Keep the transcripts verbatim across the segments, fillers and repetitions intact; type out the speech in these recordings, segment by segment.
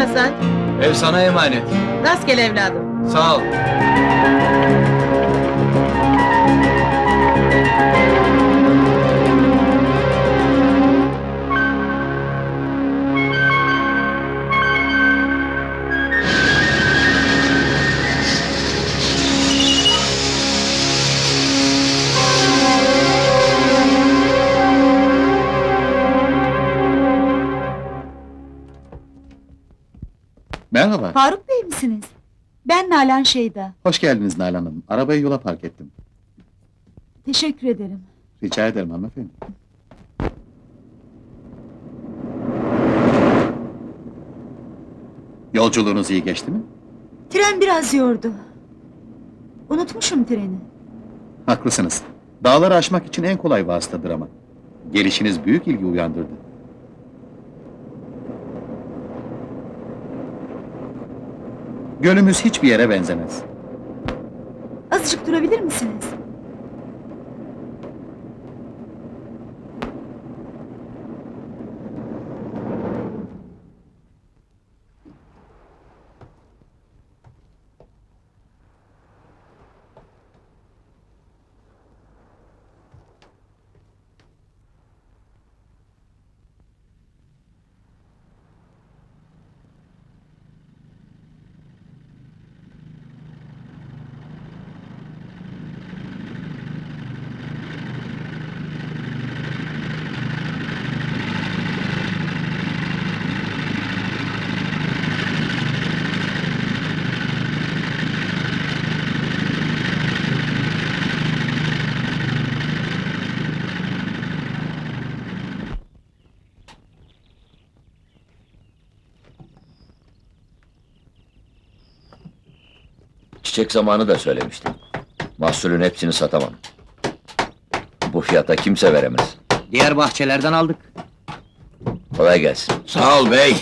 Hasan, Ev sana emanet. rastgele evladım. Sağ ol. Merhaba, Faruk Bey misiniz? Ben Nalan Şeyda. hoş geldiniz Nalan Hanım. Arabayı yola park ettim. Teşekkür ederim. Rica ederim hanımefendi. Yolculuğunuz iyi geçti mi? Tren biraz yordu. Unutmuşum treni. Haklısınız. Dağları aşmak için en kolay vasıtadır ama. Gelişiniz büyük ilgi uyandırdı. Gölümüz hiçbir yere benzemez. Azıcık durabilir misiniz? Çiçek zamanı da söylemiştim. Mahsulün hepsini satamam. Bu fiyata kimse veremez. Diğer bahçelerden aldık. Kolay gelsin. Sağ ol bey.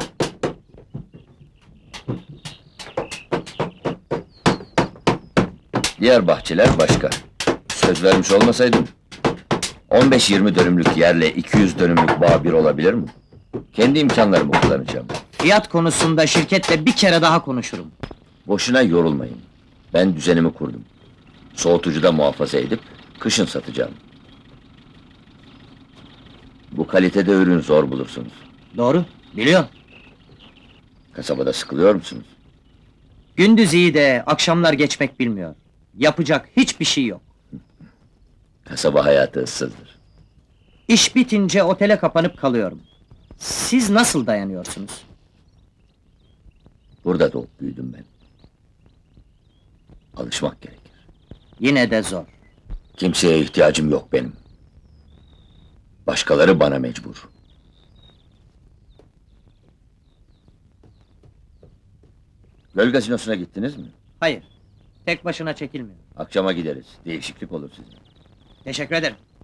Diğer bahçeler başka. Söz vermiş olmasaydım... on beş yirmi dönümlük yerle iki yüz dönümlük bağ bir olabilir mi? Kendi imkanlarımı kullanacağım. Fiyat konusunda şirketle bir kere daha konuşurum. Boşuna yorulmayın. Ben düzenimi kurdum. Soğutucuda muhafaza edip kışın satacağım. Bu kalitede ürün zor bulursunuz. Doğru, biliyorum. Kasabada sıkılıyor musunuz? Gündüz iyi de akşamlar geçmek bilmiyor. Yapacak hiçbir şey yok. Kasaba hayatı ıssızdır. İş bitince otele kapanıp kalıyorum. Siz nasıl dayanıyorsunuz? Burada doğup büyüdüm ben. Alışmak gerekir. Yine de zor. Kimseye ihtiyacım yok benim. Başkaları bana mecbur. Göl gazinosuna gittiniz mi? Hayır, tek başına çekilmiyor. Akşama gideriz. Değişiklik olur size. Teşekkür ederim.